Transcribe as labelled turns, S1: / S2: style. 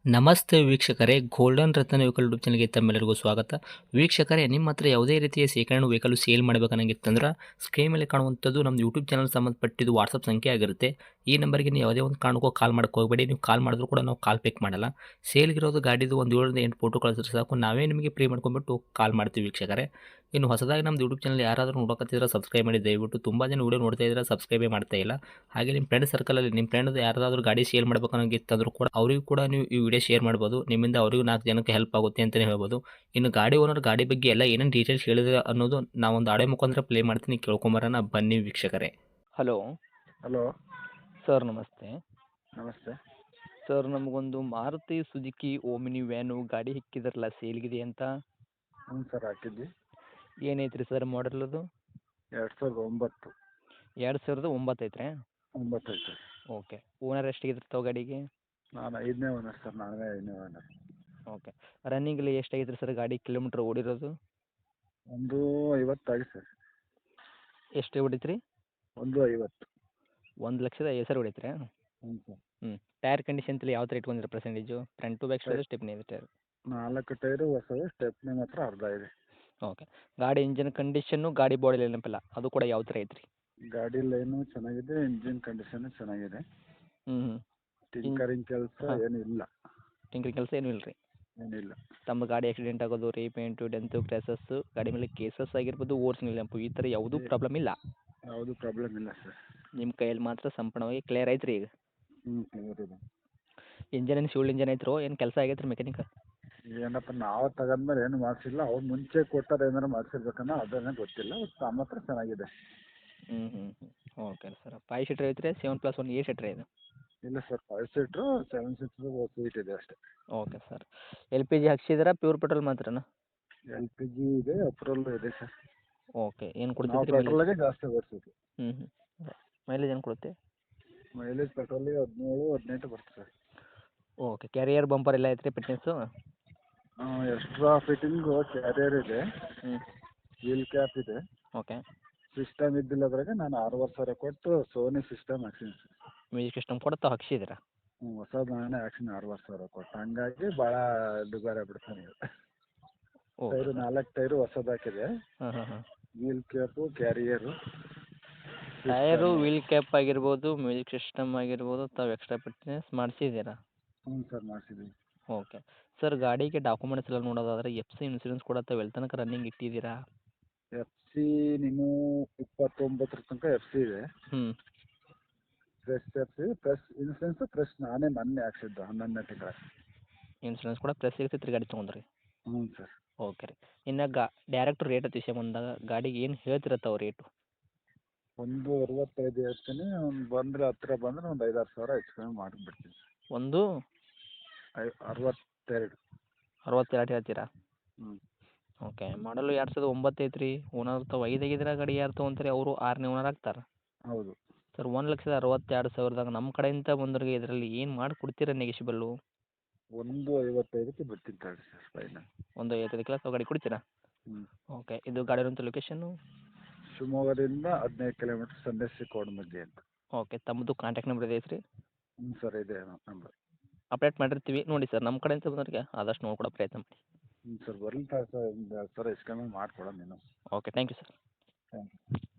S1: ನಮಸ್ತೆ ವೀಕ್ಷಕರೇ, ಗೋಲ್ಡನ್ ರತ್ನ vehicle YouTube ಚಾನಲ್ಗೆ ತಮ್ಮೆಲ್ಲರಿಗೂ ಸ್ವಾಗತ. ವೀಕ್ಷಕರೇ, ನಿಮ್ಮ ಹತ್ರ ಯಾವುದೇ ರೀತಿಯ ಶೇಖರಣೆ ವೆಹಿಕಲ್ ಸೇಲ್ ಮಾಡಬೇಕನ್ನಂಗಿತ್ತಂದ್ರೆ ಸ್ಕ್ರೀನ್ ಮೇಲೆ ಕಾಣುವಂಥದ್ದು ನಮ್ಮ ಯೂಟ್ಯೂಬ್ ಚಾನಲ್ ಸಂಬಂಧಪಟ್ಟಿದ್ದು ವಾಟ್ಸಪ್ ಸಂಖ್ಯೆ ಆಗಿರುತ್ತೆ. ಈ ನಂಬರ್ಗೆ ನೀವು ಯಾವುದೇ ಒಂದು ಕಾರಣಕ್ಕೂ ಕಾಲ್ ಮಾಡಕ್ಕೆ ಹೋಗಬೇಡಿ. ನೀವು ಕಾಲ್ ಮಾಡಿದ್ರು ಕೂಡ ನಾವು ಕಾಲ್ ಪಿಕ್ ಮಾಡಲ್ಲ. ಸೇಲ್ಗಿರೋದು ಗಾಡಿದು ಒಂದು 7ರಿಂದ 8 ಫೋಟೋ ಕಳಿಸಿದ್ರೆ ಸಾಕು, ನಾವೇ ನಿಮಗೆ ಪ್ರೀ ಮಾಡ್ಕೊಂಡ್ಬಿಟ್ಟು ಕಾಲ್ ಮಾಡ್ತೀವಿ ವೀಕ್ಷಕರೇ. ಇನ್ನು ಹೊಸದಾಗಿ ನಮ್ಮದು ಯೂಟ್ಯೂಬ್ ಚಾನಲ್ ಯಾರಾದರೂ ನೋಡೋಕತ್ತಿದ್ರೆ ಸಬ್ಸ್ಕ್ರೈಬ್ ಮಾಡಿ ದಯವಿಟ್ಟು. ತುಂಬ ಜನ ವೀಡಿಯೋ ನೋಡ್ತಾ ಇದ್ದಾರೆ, ಸಬ್ಸ್ಕ್ರೈಬೇ ಮಾಡ್ತಾ ಇಲ್ಲ. ಹಾಗೆ ನಿಮ್ಮ ಫ್ರೆಂಡ್ ಸರ್ಕಲಲ್ಲಿ ನಿಮ್ಮ ಫ್ರೆಂಡ್ ಯಾರಾದರೂ ಗಾಡಿ ಸೇಲ್ ಮಾಡಬೇಕನ್ನೋಂಗಿತ್ತಂದ್ರೂ ಕೂಡ ಅವರಿಗೂ ಕೂಡ ನೀವು ಈ ವಿಡಿಯೋ ಶೇರ್ ಮಾಡ್ಬೋದು. ನಿಮ್ಮಿಂದ ಅವರಿಗೂ 4 ಜನಕ್ಕೆ ಹೆಲ್ಪ್ ಆಗುತ್ತೆ ಅಂತಲೇ ಹೇಳ್ಬೋದು. ಇನ್ನು ಗಾಡಿ ಓನರ್ ಗಾಡಿ ಬಗ್ಗೆ ಎಲ್ಲ ಏನೇನು ಡೀಟೇಲ್ಸ್ ಹೇಳಿದ್ರೆ ಅನ್ನೋದು ನಾವೊಂದು ಆಡಿಯೋ ಮುಖಾಂತರ ಪ್ಲೇ ಮಾಡ್ತೀನಿ, ಕೇಳ್ಕೊಂಬರೋಣ ಬನ್ನಿ ವೀಕ್ಷಕರೇ. ಹಲೋ
S2: ಹಲೋ
S1: ಸರ್, ನಮಸ್ತೆ.
S2: ನಮಸ್ತೆ.
S1: ಸರ್, ನಮಗೊಂದು ಮಾರುತಿ ಸುಜುಕಿ ಓಮಿನಿ ವ್ಯಾನು ಗಾಡಿ ಹಿಕ್ಕಿದ್ರಲ್ಲ, ಸೇಲ್ಗಿದೆ ಅಂತ.
S2: ಹ್ಞೂ ಸರ್, ಹಾಕಿದ್ವಿ.
S1: ಏನೈತ್ರಿ ಸರ್ ಮಾಡಲ್ ಅದು?
S2: 2009.
S1: 2009 ಐತ್ರಿ?
S2: 9 ಐತೆ.
S1: ಓಕೆ. ಓನರ್ ಎಷ್ಟಾಗಿದ್ರೆ ತಾವು ಗಾಡಿಗೆ?
S2: ನಾನು 5ನೇ ಓನರ್ ಸರ್, ನಾನೇ 5ನೇ ಓನರ್.
S1: ಓಕೆ. ರನ್ನಿಂಗಲ್ಲಿ ಎಷ್ಟಾಗೈತ್ರಿ ಸರ್ ಗಾಡಿ ಕಿಲೋಮೀಟ್ರ್ ಓಡಿರೋದು?
S2: ಒಂದು 50 ಆಗಿದೆ ಸರ್.
S1: ಎಷ್ಟು ಹೊಡಿತ್ರಿ?
S2: 150.
S1: 1,50,000 ಹೊಡೈತ್ರಿ?
S2: ಹ್ಞೂ ಸರ್.
S1: ಟೈರ್ ಕಂಡೀಷನ್ ಯಾವ ಥರ ಇಟ್ಕೊಂಡಿರ percentage? Front to back side stepney ಇದೆ ಟೈರ್?
S2: 4 ಟೈರು ಹೊಸದು, ಸ್ಟೆಪ್ನಿ ಮಾತ್ರ ಅರ್ಧ ಇದೆ.
S1: ಓಕೆ. ಗಾಡಿ ಇಂಜಿನ್ ಕಂಡೀಷನ್ನು, ಗಾಡಿ ಬಾಡಿ ನೆನಪಿಲ್ಲ, ಅದು ಕೂಡ ಯಾವ ಥರ ಐತ್ರಿ?
S2: ಗಾಡಿ ಲೈನು ಚೆನ್ನಾಗಿದೆ, ಇಂಜಿನ್ ಕಂಡೀಷನು ಚೆನ್ನಾಗಿದೆ.
S1: ಹ್ಞೂ.
S2: ಟಿಂಕರಿಂಗ್ ಕೆಲಸ ಏನೂ ಇಲ್ಲ.
S1: ಟಿಂಕರಿಂಗ್ ಕೆಲಸ ಏನೂ ಇಲ್ಲ ರೀ?
S2: ಏನಿಲ್ಲ.
S1: ತಮ್ಮ ಗಾಡಿ ಆಕ್ಸಿಡೆಂಟ್ ಆಗೋದು, ರೀಪೇಂಟು, ಡೆಂತು, ಕ್ರ್ಯಾಸಸ್ಸು, ಗಾಡಿ ಮೇಲೆ ಕೇಸಸ್ ಆಗಿರ್ಬೋದು, ಓರ್ಜಿನಲ್ ನೆನಪು, ಈ ಥರ ಯಾವುದೂ ಪ್ರಾಬ್ಲಮ್ ಇಲ್ಲ?
S2: ಯಾವುದೂ ಪ್ರಾಬ್ಲಮ್ ಇಲ್ಲ ಸರ್.
S1: ನಿಮ್ಮ ಕೈಯಲ್ಲಿ ಮಾತ್ರ ಸಂಪೂರ್ಣವಾಗಿ ಕ್ಲಿಯರ್ ಐತ್ರಿ ಈಗ?
S2: ಹ್ಞೂ, ಕ್ಲಿಯರ್ ಇದೆ.
S1: ಇಂಜನ್ ಏನು ಶಿವಲ್ ಇಂಜನ್ ಐತ್ರೋ, ಏನು ಕೆಲಸ ಆಗೈತೆ ರೀ ಮೆಕ್ಯಾನಿಕ್?
S2: ಏನಪ್ಪ, ನಾವು ತಗೊಂಡ್ಮೇಲೆ ಏನು ಮಾಡಿಸಿಲ್ಲ. ಅವ್ರು ಮುಂಚೆ ಕೊಟ್ಟಾರೆ ಏನಾರು ಮಾಡಿಸಿರ್ಬೇಕನ್ನೋ ಅದನ್ನೇ ಗೊತ್ತಿಲ್ಲ. ಬಟ್ ನಮ್ಮ ಹತ್ರ ಚೆನ್ನಾಗಿದೆ.
S1: ಹ್ಞೂ. Okay sir. 5 ಸೀಟ್ರ್ ಐತ್ರಿ? 7+1 8 ಸೀಟ್ರ್ ಇದು?
S2: ಇಲ್ಲ ಸರ್, 5 ಸೀಟ್ರು, 7 ಸೀಟ್ರು ಸೀಟ್ ಇದೆ ಅಷ್ಟೇ.
S1: Okay sir. LPG ಹಾಕ್ಸಿದ್ದೀರಾ, ಪ್ಯೂರ್ ಪೆಟ್ರೋಲ್ ಮಾತ್ರನಾ?
S2: LPG ಇದೆ, ಪೆಟ್ರೋಲ್ ಇದೆ ಸರ್.
S1: ಓಕೆ. ಏನು
S2: ನಾವು
S1: ಕೊಡ್ತೈತ್ರಿ ಮೈಲೇಜ್?
S2: ಪೆಟ್ರೋಲಿಗೆ ಜಾಸ್ತಿ ಓಡಿಸೋದು.
S1: ಹ್ಞೂ. ಮೈಲೇಜ್ ಏನು ಕೊಡುತ್ತೆ?
S2: ಮೈಲೇಜ್ ಪೆಟ್ರೋಲಿಗೆ 17, 18 ಬರುತ್ತೆ ಸರ್.
S1: ಓಕೆ. ಕ್ಯಾರಿಯರ್ ಬಂಪರ್ ಎಲ್ಲ ಐತ್ರಿ ಫಿಟ್ನೆಸ್ಸು?
S2: ಎಕ್ಸ್ಟ್ರಾ ಫಿಟ್ಟಿಂಗು ಕ್ಯಾರಿಯರ್ ಇದೆ,
S1: ಹ್ಞೂ.
S2: ವೀಲ್ ಕ್ಯಾಪ್ ಇದೆ.
S1: ಓಕೆ.
S2: ಸಿಸ್ಟಮ್ ಇದ್ದಿಲ್ಲದ್ರಾಗೆ ನಾನು 6,500 ಕೊಟ್ಟು ಸೋನಿ ಸಿಸ್ಟಮ್ ಹಾಕ್ಸೀನಿ ಸರ್.
S1: ಮ್ಯೂಸಿಕ್ ಸಿಸ್ಟಮ್ ಕೂಡ ತಾವು ಹಾಕ್ಸಿದ್ದೀರಾ?
S2: ಹ್ಞೂ, ಹೊಸದು ನಾನೇ ಹಾಕ್ಸೀನಿ 6,500 ಕೊಟ್ಟು. ಹಂಗಾಗಿ ಭಾಳ ದುಬಾರಿ ಆಗ್ಬಿಡ್ತಾನೆ ಈಗ.
S1: ಓಕೆ.
S2: ಟೈರು 4 ಟೈರು ಹೊಸದು ಹಾಕಿದೆ.
S1: ಹಾಂ.
S2: Wheel cap, carrier,
S1: tyre, wheel cap ಆಗಿರ್ಬೋದು, ಮ್ಯೂಸಿಕ್ ಸಿಸ್ಟಮ್ ಆಗಿರ್ಬೋದು, ತಾವು ಎಕ್ಸ್ಟ್ರಾ ಫಿಟ್ನೆಸ್ ಮಾಡಿಸಿದ್ದೀರಾ?
S2: ಹ್ಞೂ ಸರ್, ಮಾಡಿಸಿದ್ದೀವಿ.
S1: ಓಕೆ. ಸರ್, ಗಾಡಿಗೆ ಡಾಕ್ಯುಮೆಂಟ್ಸ್ ಎಲ್ಲ ನೋಡೋದಾದ್ರೆ FC ಇನ್ಸೂರೆನ್ಸ್ ಕೂಡ ತಾವು ಎಲ್ಲಿ ತನಕ ರನ್ನಿಂಗ್ ಇಟ್ಟಿದ್ದೀರಾ?
S2: FC ನೀನು 29 ತನಕ FC ಇದೆ.
S1: ಹ್ಞೂ.
S2: Fresh FC, fresh insurance fresh ನಾನೇ ಮೊನ್ನೆ ಹಾಕ್ಸಿದ್ದು 11ನೇ ತಿಂಗಳ.
S1: ಇನ್ಸೂರೆನ್ಸ್ ಕೂಡ ಪ್ಲಸ್ ಇರ್ತೈತೆ ರೀ ಗಾಡಿ ತೊಗೊಂಡ್ರಿ?
S2: ಹ್ಞೂ ಸರ್.
S1: ಓಕೆ ರೀ. ಇನ್ನು ಡೈರೆಕ್ಟ್ ರೇಟ್ ವಿಷಯ ಬಂದಾಗ ಗಾಡಿಗೆ ಏನು ಹೇಳ್ತೀರ ತಾವು ರೇಟು?
S2: 165 ಹೇಳ್ತೀನಿ. ಬಂದರೆ ಹತ್ತಿರ ಬಂದರೆ ಒಂದು 5-6 ಸಾವಿರ ಹೆಚ್ಚು ಕಮ್ಮಿ ಮಾಡಿಬಿಡ್ತೀನಿ.
S1: ಒಂದು
S2: 62.
S1: 62 ಹೇಳ್ತೀರಾ?
S2: ಹ್ಞೂ.
S1: ಓಕೆ. ಮಾಡಲು 2009 ಐತ್ರಿ. ಓನರ್ ತಾವು 5 ಆಗಿದ್ರೆ ಗಾಡಿ ಯಾರು ತೊಗೊಂತಾರೆ? ಅವರು 6ನೇ ಓನರ್ ಆಗ್ತಾರೆ?
S2: ಹೌದು
S1: ಸರ್, 1,62,000 ನಮ್ಮ ಕಡೆಯಿಂದ ಬಂದವ್ರಿಗೆ ಇದರಲ್ಲಿ ಏನು ಮಾಡಿ ಕೊಡ್ತೀರಾ ನೆಗೆಶಿಬಲ್ಲು?
S2: 155ಕ್ಕೆ ಬಿಡ್ತೀನಿ ತಗೊಳ್ಳಿ ಸರ್, ಫೈನಲ್.
S1: 1,55,000 ತಾವು ಗಾಡಿ ಕೊಡ್ತೀರಾ?
S2: ಹ್ಞೂ.
S1: ಓಕೆ. ಇದು ಗಾಡಿ ಇರೋಂಥ ಲೊಕೇಶನ್ನು?
S2: ಶಿವಮೊಗ್ಗದಿಂದ 15 ಕಿಲೋಮೀಟ್ರ್, ಸಂದೇಶಿ ಕೋಡಮಗ್ಗಿ ಅಂತ.
S1: ಓಕೆ. ತಮ್ಮದು ಕಾಂಟ್ಯಾಕ್ಟ್ ನಂಬರ್ ಇದೆ ಐತ್ರಿ?
S2: ಹ್ಞೂ ಸರ್, ಇದೆ ನಂಬರ್.
S1: ಅಪ್ಡೇಟ್ ಮಾಡಿರ್ತೀವಿ ನೋಡಿ ಸರ್, ನಮ್ಮ ಕಡೆಯಿಂದ ಬಂದವ್ರಿಗೆ ಆದಷ್ಟು ನೋಡ್ಕೊಡೋ ಪ್ರಯತ್ನ ಮಾಡಿ.
S2: ಹ್ಞೂ ಸರ್, ಬರಲಿ ಸರ್, ಒಂದು 2 ಸಾವಿರ ಹೆಚ್ಚು ಕಮ್ಮಿ ಮಾಡಿಕೊಡೋಣ ನೀನು.
S1: Okay. Thank you sir.
S2: Thank you.